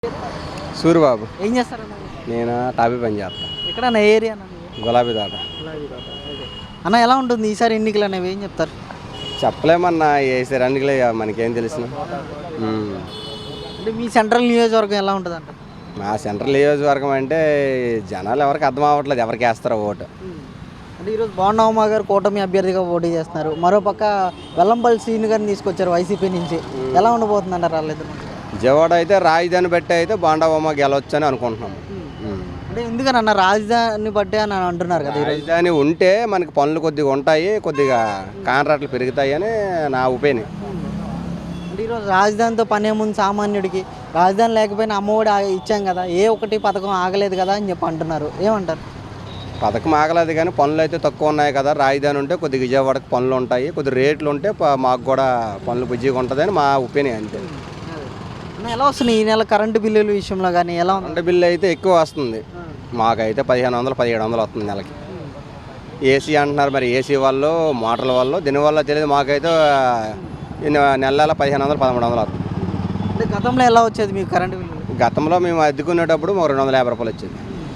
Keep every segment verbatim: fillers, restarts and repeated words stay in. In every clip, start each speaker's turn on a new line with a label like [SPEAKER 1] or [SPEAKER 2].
[SPEAKER 1] సూరిబాబు.
[SPEAKER 2] ఏం చేస్తారన్న?
[SPEAKER 1] నేను టాపీ పని చేస్తా.
[SPEAKER 2] ఎక్కడన్నా ఏ ఏరియా అన్న మీది?
[SPEAKER 1] గులాబీ తోట.
[SPEAKER 2] గులాబీ తోట. ఓకే. అన్న ఎలా ఉంటుంది ఈసారి ఎన్నికలు అనేవి ఏం చెప్తారు?
[SPEAKER 1] చెప్పలేమన్నా వేసారు అందుకలే మనకేం తెలుసు.
[SPEAKER 2] అంటే మీ సెంట్రల్ నియోజకవర్గం ఎలా ఉంటుంది అంట?
[SPEAKER 1] మా సెంట్రల్ నియోజకవర్గం అంటే జనాలు ఎవరికి అర్థం అవ్వట్లేదు ఎవరికి వేస్తారో ఓటు.
[SPEAKER 2] అంటే ఈరోజు బోండమ్మ గారు కూటమి అభ్యర్థిగా పోటీ చేస్తున్నారు. మరోపక్క వెల్లంపల్లి శ్రీను గారిని తీసుకొచ్చారు వైసీపీ నుంచి. ఎలా ఉండబోతుంది అంటారు వాళ్ళిద్దరు?
[SPEAKER 1] విజయవాడ అయితే రాజధాని బట్టి అయితే బోండమ్మ గెలవచ్చు అని అనుకుంటున్నాము.
[SPEAKER 2] అంటే ఎందుకని అన్న రాజధాని బట్టి అని అంటున్నారు కదా?
[SPEAKER 1] రాజధాని ఉంటే మనకి పనులు కొద్దిగా ఉంటాయి, కొద్దిగా కాంట్రాక్ట్లు పెరుగుతాయి అని నా ఒపీనియన్.
[SPEAKER 2] అంటే ఈరోజు రాజధానితో పని ఏముంది సామాన్యుడికి? రాజధాని లేకపోయినా అమ్మఒడి ఇచ్చాం కదా, ఏ ఒకటి పథకం ఆగలేదు కదా అని చెప్పి అంటున్నారు. ఏమంటారు?
[SPEAKER 1] పథకం ఆగలేదు కానీ పనులు అయితే తక్కువ ఉన్నాయి కదా. రాజధాని ఉంటే కొద్దిగా విజయవాడకి పనులు ఉంటాయి, కొద్దిగా రేట్లు ఉంటే మాకు కూడా పనులు బుజ్జిగా ఉంటుంది అని మా ఒపీనియన్ అంతే.
[SPEAKER 2] ఎలా వస్తున్నాయి ఈ నెల కరెంటు బిల్లుల విషయంలో కానీ? ఎలా
[SPEAKER 1] కరెంటు బిల్లు అయితే ఎక్కువ వస్తుంది. మాకైతే పదిహేను వందలు పదిహేడు వందలు వస్తుంది నెలకి. ఏసీ అంటున్నారు, మరి ఏసీ వాళ్ళు మోటార్ల వల్ల దీనివల్ల తెలియదు. మాకైతే నెల నెల పదిహేను వందలు పదమూడు వందలు వస్తుంది.
[SPEAKER 2] అంటే గతంలో ఎలా వచ్చేది మీకు కరెంటు బిల్లు?
[SPEAKER 1] గతంలో మేము అద్దెకునేటప్పుడు మాకు రెండు వందల యాభై రూపాయలు వచ్చేది.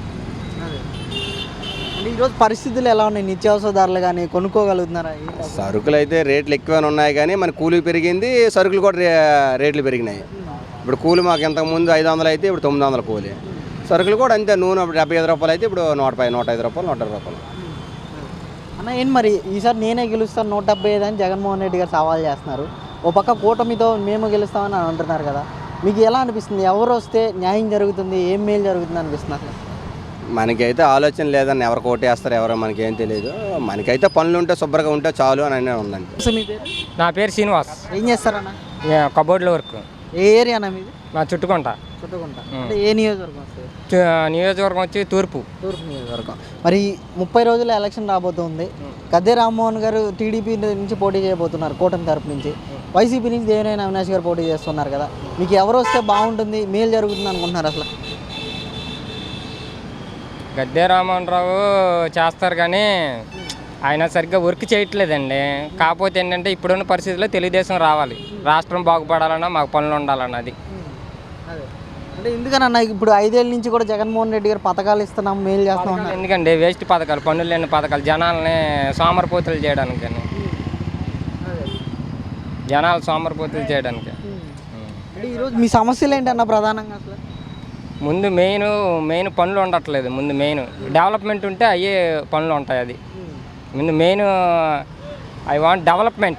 [SPEAKER 2] అంటే ఈరోజు పరిస్థితులు ఎలా ఉన్నాయి? నిత్యావసర ధరలు కానీ కొనుక్కోగలుగుతున్నారా?
[SPEAKER 1] సరుకులు అయితే రేట్లు ఎక్కువనే ఉన్నాయి కానీ మన కూలీ పెరిగింది, సరుకులు కూడా రే రేట్లు పెరిగినాయి. ఇప్పుడు కూలి మాకు ఇంతకుముందు ఐదు వందలు అయితే ఇప్పుడు తొమ్మిది వందల కూలి. సరుకులు కూడా అంతే. నూనె డెబ్బై ఐదు రూపాయలు అయితే ఇప్పుడు నూట పది నూట ఐదు రూపాయలు నూట ఇరవై రూపాయలు.
[SPEAKER 2] అన్న ఏంటి మరి ఈసారి నేనే గెలుస్తాను నూట డెబ్బై ఐదు అని జగన్మోహన్ రెడ్డి గారు సవాల్ చేస్తున్నారు. ఓ పక్క కూటమితో మేము గెలుస్తామని అంటున్నారు కదా, మీకు ఎలా అనిపిస్తుంది? ఎవరు వస్తే న్యాయం జరుగుతుంది, ఏం మేలు జరుగుతుంది అనిపిస్తుంది అసలు?
[SPEAKER 1] మనకైతే ఆలోచన లేదని ఎవరు కోటేస్తారు ఎవరో మనకేం తెలియదు. మనకైతే పనులు ఉంటే శుభ్రంగా ఉంటే చాలు అని అనే ఉందండి.
[SPEAKER 2] మీ పేరు?
[SPEAKER 3] నా పేరు శ్రీనివాస్.
[SPEAKER 2] ఏం చేస్తారన్న?
[SPEAKER 3] కబోర్డ్లో వర్క్.
[SPEAKER 2] ఏ ఏరియా అన్న మీది?
[SPEAKER 3] మా చుట్టుకుంట.
[SPEAKER 2] చుట్టుకుంట అంటే ఏ నియోజకవర్గం వస్తుంది?
[SPEAKER 3] నియోజకవర్గం వచ్చి తూర్పు.
[SPEAKER 2] తూర్పు నియోజకవర్గం. మరి ముప్పై రోజుల ఎలక్షన్ రాబోతుంది. గద్దె రామ్మోహన్ గారు టీడీపీ నుంచి పోటీ చేయబోతున్నారు కూటమి తరపు నుంచి. వైసీపీ నుంచి దేవినేని అవినాష్ గారు పోటీ చేస్తున్నారు కదా, మీకు ఎవరు వస్తే బాగుంటుంది, మేలు జరుగుతుంది అనుకుంటున్నారు అసలు?
[SPEAKER 3] గద్దె రామ్మోహన్ రావు చేస్తారు కానీ ఆయన సరిగ్గా వర్క్ చేయట్లేదండి. కాకపోతే ఏంటంటే ఇప్పుడున్న పరిస్థితుల్లో తెలుగుదేశం రావాలి, రాష్ట్రం బాగుపడాలన్నా మాకు పనులు ఉండాలన్న అది.
[SPEAKER 2] అంటే ఎందుకనన్నా ఇప్పుడు ఐదేళ్ళ నుంచి కూడా జగన్మోహన్ రెడ్డి గారు పథకాలు ఇస్తున్నాం, మేలు చేస్తున్నాం.
[SPEAKER 3] ఎందుకంటే వేస్ట్ పథకాలు, పనులు లేని పథకాలు, జనాలని సోమరపోతులు చేయడానికి కానీ, జనాలు సోమరపోతులు చేయడానికి.
[SPEAKER 2] అంటే ఈరోజు మీ సమస్యలు ఏంటన్నా ప్రధానంగా అసలు?
[SPEAKER 3] ముందు మెయిన్ మెయిన్ పనులు ఉండట్లేదు. ముందు మెయిన్ డెవలప్మెంట్ ఉంటే అయ్యే పనులు ఉంటాయి. అది ముందు మెయిన్ ఐ వాంట్ డెవలప్మెంట్.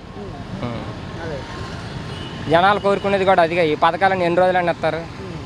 [SPEAKER 3] జనాలు కోరుకునేది కూడా అదిగా. ఈ పథకాలను ఎన్ని రోజులని చేస్తారు?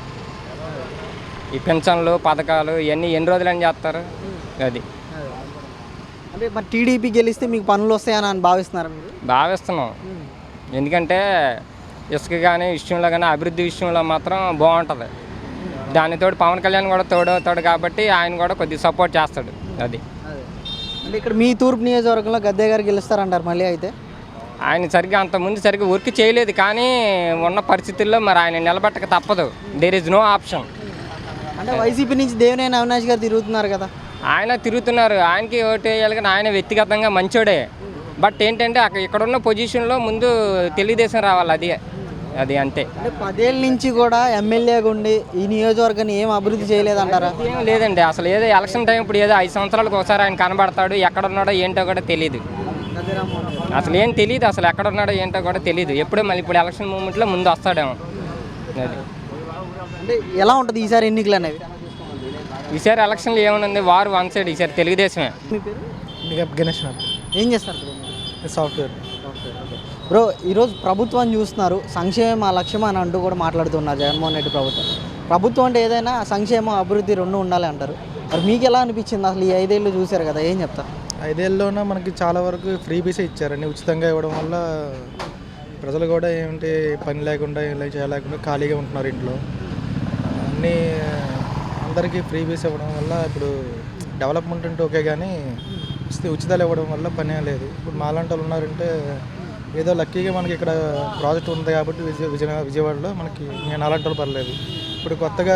[SPEAKER 3] ఈ పెన్షన్లు పథకాలు ఇవన్నీ ఎన్ని రోజులని చేస్తారు? అది
[SPEAKER 2] అంటే మరి టీడీపీ గెలిస్తే మీకు పనులు వస్తాయని అని భావిస్తున్నారు మీరు?
[SPEAKER 3] భావిస్తున్నాం. ఎందుకంటే ఇసుక కానీ విషయంలో కానీ అభివృద్ధి విషయంలో మాత్రం బాగుంటుంది. దానితో పవన్ కళ్యాణ్ కూడా తోడవుతాడు కాబట్టి ఆయన కూడా కొద్దిగా సపోర్ట్ చేస్తాడు. అది
[SPEAKER 2] అంటే ఇక్కడ మీ తూర్పు నియోజకవర్గంలో గద్దె గారు గెలుస్తారంటారు మళ్ళీ? అయితే
[SPEAKER 3] ఆయన సరిగ్గా అంతకుముందు సరిగ్గా వర్క్ చేయలేదు కానీ ఉన్న పరిస్థితుల్లో మరి ఆయన నిలబెట్టక తప్పదు. There is no option.
[SPEAKER 2] అంటే వైసీపీ నుంచి దేవినేని అవినాష్ గారు తిరుగుతున్నారు కదా?
[SPEAKER 3] ఆయన తిరుగుతున్నారు, ఆయనకి ఓటు వేయాలి కానీ ఆయన వ్యక్తిగతంగా మంచోడే. బట్ ఏంటంటే అక్కడ ఇక్కడున్న పొజిషన్లో ముందు తెలుగుదేశం రావాలి. అది అది అంతే.
[SPEAKER 2] అంటే పదేళ్ళ నుంచి కూడా ఎమ్మెల్యేగా ఉండి ఈ నియోజకవర్గాన్ని ఏం అభివృద్ధి చేయలేదంటారా?
[SPEAKER 3] ఏం లేదండి అసలు. ఏదో ఎలక్షన్ టైం ఇప్పుడు ఏదో ఐదు సంవత్సరాలకు ఒకసారి ఆయన కనబడతాడు, ఎక్కడ ఉన్నాడో ఏంటో కూడా తెలియదు. అసలు ఏం తెలియదు, అసలు ఎక్కడ ఉన్నాడో ఏంటో కూడా తెలియదు. ఎప్పుడో మళ్ళీ ఇప్పుడు ఎలక్షన్ మూమెంట్లో ముందు వస్తాడేమో. అది
[SPEAKER 2] అంటే ఎలా ఉంటుంది ఈసారి ఎన్నికలు అనేవి?
[SPEAKER 3] ఈసారి ఎలక్షన్లు ఏమనుంది, వారు వన్ సైడ్. ఈసారి తెలుగుదేశమే.
[SPEAKER 2] మీ పేరు?
[SPEAKER 4] గణేష్.
[SPEAKER 2] ఏం చేస్తారు
[SPEAKER 4] సాఫ్ట్వేర్.
[SPEAKER 2] బ్రో, ఈరోజు ప్రభుత్వాన్ని చూస్తున్నారు, సంక్షేమం ఆ లక్ష్యం అని అంటూ కూడా మాట్లాడుతున్నారు జగన్మోహన్ రెడ్డి ప్రభుత్వం. ప్రభుత్వం అంటే ఏదైనా సంక్షేమం అభివృద్ధి రెండు ఉండాలి అంటారు. మరి మీకు ఎలా అనిపించింది అసలు ఈ ఐదేళ్ళు చూశారు కదా, ఏం చెప్తారు?
[SPEAKER 4] ఐదేళ్ళలోనే మనకి చాలా వరకు ఫ్రీ బీసే ఇచ్చారండి. ఉచితంగా ఇవ్వడం వల్ల ప్రజలు కూడా ఏమిటి పని లేకుండా ఇలా చేయలేకుండా ఖాళీగా ఉంటున్నారు ఇంట్లో. అన్నీ అందరికీ ఫ్రీ బీస్ ఇవ్వడం వల్ల ఇప్పుడు డెవలప్మెంట్ అంటే ఓకే కానీ ఉచితాలు ఇవ్వడం వల్ల పనే లేదు. ఇప్పుడు మాలాంటి వాళ్ళు ఉన్నారంటే ఏదో లక్కీగా మనకి ఇక్కడ ప్రాజెక్ట్ ఉంది కాబట్టి విజయ విజయ విజయవాడలో మనకి నేను అలాంటి వాళ్ళు పర్లేదు. ఇప్పుడు కొత్తగా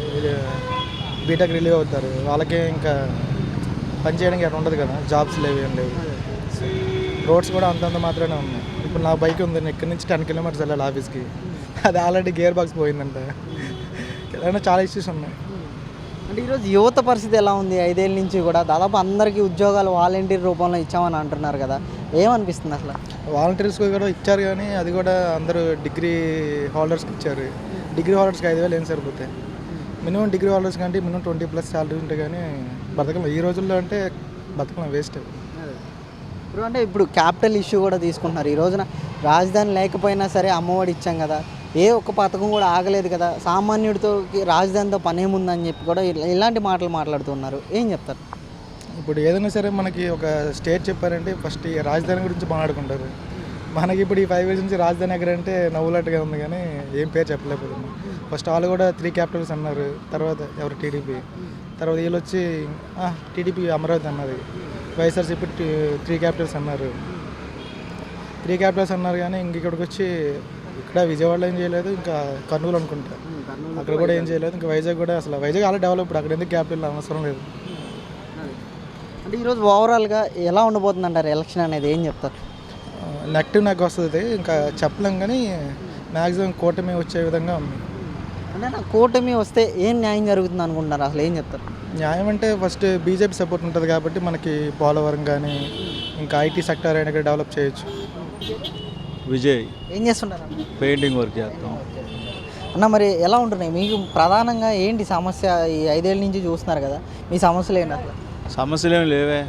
[SPEAKER 4] బీటెక్ రిలీవ్ అవుతారు, వాళ్ళకే ఇంకా పని చేయడానికి ఎక్కడ ఉండదు కదా, జాబ్స్ లేవు ఏం లేవు. రోడ్స్ కూడా అంతంత మాత్రమే ఉన్నాయి. ఇప్పుడు నా బైక్ ఉంది, ఇక్కడి నుంచి టెన్ కిలోమీటర్స్ వెళ్ళాలి ఆఫీస్కి. అది ఆల్రెడీ గేర్ బాక్స్ పోయిందంట. ఇలాంటి చాలా ఇష్యూస్ ఉన్నాయి.
[SPEAKER 2] అంటే ఈరోజు యువత పరిస్థితి ఎలా ఉంది? ఐదేళ్ళ నుంచి కూడా దాదాపు అందరికీ ఉద్యోగాలు వాలంటీర్ రూపంలో ఇచ్చామని అంటున్నారు కదా, ఏమనిపిస్తుంది అసలు?
[SPEAKER 4] వాలంటీర్స్కి కూడా ఇచ్చారు కానీ అది కూడా అందరూ డిగ్రీ హోల్డర్స్కి ఇచ్చారు. డిగ్రీ హోల్డర్స్కి ఐదు వేలు ఏం సరిపోతాయి? మినిమం డిగ్రీ హోల్డర్స్ కంటే మినిమం ట్వంటీ ప్లస్ శాలరీ ఉంటే కానీ బతకం. ఈ రోజుల్లో అంటే బతకం వేస్ట్.
[SPEAKER 2] ఇప్పుడు అంటే ఇప్పుడు క్యాపిటల్ ఇష్యూ కూడా తీసుకుంటున్నారు. ఈ రోజున రాజధాని లేకపోయినా సరే అమ్మఒడి ఇచ్చాం కదా, ఏ ఒక్క పథకం కూడా ఆగలేదు కదా, సామాన్యుడితో రాజధానితో పని ఏముందని చెప్పి కూడా ఇలా- ఇలాంటి మాటలు మాట్లాడుతున్నారు. ఏం చెప్తారు?
[SPEAKER 4] ఇప్పుడు ఏదైనా సరే మనకి ఒక స్టేట్ చెప్పారంటే ఫస్ట్ ఈ రాజధాని గురించి మాట్లాడుకుంటారు. మనకి ఇప్పుడు ఈ ఫైవ్ ఇయర్స్ నుంచి రాజధాని ఎక్కడ అంటే నవ్వులట్టుగా ఉంది కానీ ఏం పేరు చెప్పలేకపోతున్నాం. ఫస్ట్ వాళ్ళు కూడా త్రీ క్యాపిటల్స్ అన్నారు, తర్వాత ఎవరు టీడీపీ, తర్వాత వీళ్ళు వచ్చి టీడీపీ అమరావతి అన్నది, వైఎస్ఆర్సీపీ త్రీ క్యాపిటల్స్ అన్నారు. త్రీ క్యాపిటల్స్ అన్నారు కానీ ఇంక ఇక్కడికి వచ్చి ఇక్కడ విజయవాడలో ఏం చేయలేదు, ఇంకా కర్నూలు అనుకుంటా అక్కడ కూడా ఏం చేయలేదు, ఇంకా వైజాగ్ కూడా అసలు వైజాగ్ అలా డెవలప్డ్, అక్కడ ఎందుకు క్యాపిటల్ అవసరం లేదు.
[SPEAKER 2] అంటే ఈరోజు ఓవరాల్గా ఎలా ఉండబోతుంది అంటారు ఎలక్షన్ అనేది? ఏం చెప్తారు?
[SPEAKER 4] నెగిటివ్ నాకు వస్తుంది, ఇంకా చెప్పలేం కానీ మ్యాక్సిమం కూటమి వచ్చే విధంగా ఉంది.
[SPEAKER 2] అంటే నా కూటమి వస్తే ఏం న్యాయం జరుగుతుంది అనుకుంటున్నారు? అసలు ఏం చెప్తారు?
[SPEAKER 4] న్యాయం అంటే ఫస్ట్ బీజేపీ సపోర్ట్ ఉంటుంది కాబట్టి మనకి పోలవరం కానీ ఇంకా ఐటీ సెక్టర్ అయినా ఇక్కడ డెవలప్ చేయొచ్చు.
[SPEAKER 5] విజయ్
[SPEAKER 2] ఏం చేస్తుంటారు అన్న?
[SPEAKER 5] పెయింటింగ్ వర్క్ చేస్తాం.
[SPEAKER 2] అన్న మరి ఎలా ఉంటున్నాయి మీకు ప్రధానంగా ఏంటి సమస్య? ఈ ఐదేళ్ళ నుంచి చూస్తున్నారు కదా, మీ సమస్యలు ఏంటి అసలు?
[SPEAKER 5] సమస్యలు ఏమి లేవే,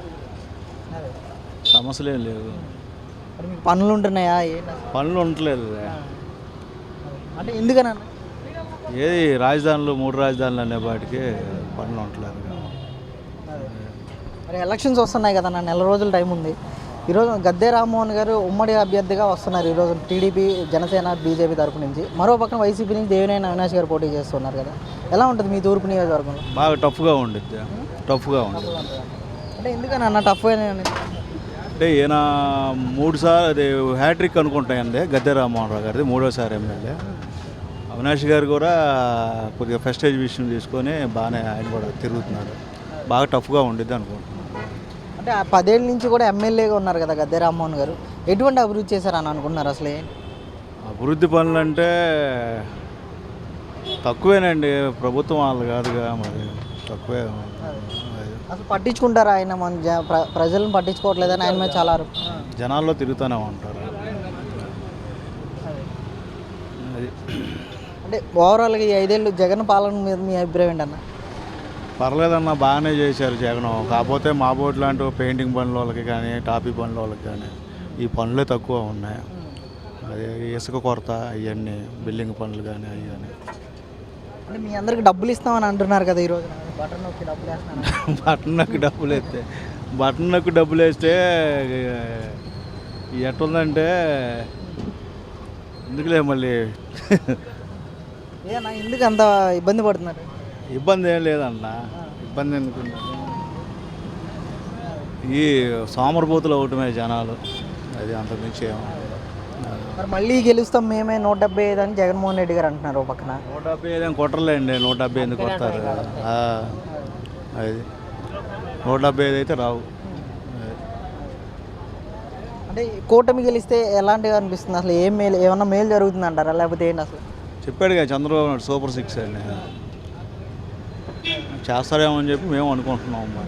[SPEAKER 5] సమస్యలు ఏమి లేవు.
[SPEAKER 2] మరి మీకు పనులు ఉంటున్నాయా? ఏంటి అసలు?
[SPEAKER 5] పనులు ఉండట్లేదు.
[SPEAKER 2] అంటే ఎందుకనన్నా?
[SPEAKER 5] ఏది రాజధానులు మూడు రాజధానులు అనే వాటికి పనులు ఉండట్లేదు.
[SPEAKER 2] మరి ఎలక్షన్స్ వస్తున్నాయి కదా, నా నెల రోజుల టైం ఉంది. ఈరోజు గద్దె రామ్మోహన్ గారు ఉమ్మడి అభ్యర్థిగా వస్తున్నారు. ఈరోజు టీడీపీ, జనసేన, బీజేపీ తరపు నుంచి. మరో పక్కన వైసీపీ నుంచి దేవినేని అవినాష్ గారు పోటీ చేస్తున్నారు కదా, ఎలా ఉంటుంది మీ తూర్పు నియోజకవర్గంలో?
[SPEAKER 5] బాగా టఫ్గా ఉండిద్ది, టఫ్గా ఉండిద్ది.
[SPEAKER 2] అంటే ఎందుకని అన్న టఫ్ అనేది?
[SPEAKER 5] అంటే ఈయన మూడు సార్లు అది హ్యాట్రిక్ అనుకుంటాయండి గద్దె రామ్మోహన్ రావు గారిది, మూడోసారి ఎమ్మెల్యే. అవినాష్ గారు కూడా కొద్దిగా ఫెస్టేజ్ విషయం తీసుకొని బాగానే ఆయన కూడా తిరుగుతున్నారు. బాగా టఫ్గా ఉండిద్ది అనుకుంటున్నాను.
[SPEAKER 2] అంటే ఆ పదేళ్ళ నుంచి కూడా ఎమ్మెల్యేగా ఉన్నారు కదా గద్దె రామ్మోహన్ గారు, ఎటువంటి అభివృద్ధి చేశారని అనుకుంటున్నారు అసలు?
[SPEAKER 5] అభివృద్ధి పనులు అంటే తక్కువేనండి, ప్రభుత్వం వాళ్ళు కాదుగా, మరి తక్కువే.
[SPEAKER 2] అసలు పట్టించుకుంటారా ఆయన? మన జ- ప్ర- ప్రజలను పట్టించుకోవట్లేదని ఆయన మీద చాలా ఆరోప-
[SPEAKER 5] జనాల్లో తిరుగుతూనే ఉంటారు. అది
[SPEAKER 2] అంటే ఓవరాల్గా ఈ ఐదేళ్ళు జగన్ పాలన మీద మీ అభిప్రాయం ఏంటన్న?
[SPEAKER 5] పర్లేదన్న, బాగానే చేశారు జగన్. కాకపోతే మా బోట్ లాంటి పెయింటింగ్ పనుల వాళ్ళకి కానీ టాపీ పనుల వాళ్ళకి కానీ ఈ పనులే తక్కువ ఉన్నాయి. అదే ఇసుక కొరత, అవన్నీ బిల్డింగ్ పనులు కానీ అవి కానీ.
[SPEAKER 2] అంటే మీ అందరికి డబ్బులు ఇస్తామని అంటున్నారు కదా ఈరోజు, బటన్ నొక్కి డబ్బులు వేస్తున్నారు.
[SPEAKER 5] బటన్ నొక్కి డబ్బులు వేస్తే బటన్ నొక్కి డబ్బులు వేస్తే ఎట్టుందంటే ఎందుకులే మళ్ళీ
[SPEAKER 2] ఏనా ఎందుకు అంత ఇబ్బంది పడుతున్నారు?
[SPEAKER 5] ఇబ్బంది ఏం లేదన్న, ఇబ్బంది ఎందుకుంటుంది. ఈ సోమరబోతులు అవటమే జనాలు, అది అంత మించి ఏమో.
[SPEAKER 2] మరి మళ్ళీ గెలుస్తాం మేమే నూట డెబ్బై ఐదు అని జగన్మోహన్ రెడ్డి గారు అంటున్నారు ఓ పక్కన.
[SPEAKER 5] నూట డెబ్బై ఐదు ఏం కొట్టలేండి, నూట డెబ్బై ఎందుకు కొడతారు? ఆ, అది నూట డెబ్బై ఐదు అయితే రావు.
[SPEAKER 2] అంటే ఈ కూటమి గెలిస్తే ఎలాంటిగా అనిపిస్తుంది అసలు? ఏం మేలు, ఏమన్నా మేలు జరుగుతుంది అంటారా లేకపోతే ఏంటి అసలు?
[SPEAKER 5] చెప్పాడు కదా చంద్రబాబు నాయుడు సూపర్ సిక్స్ అండి, చేస్తారేమో అని చెప్పి మేము అనుకుంటున్నాం.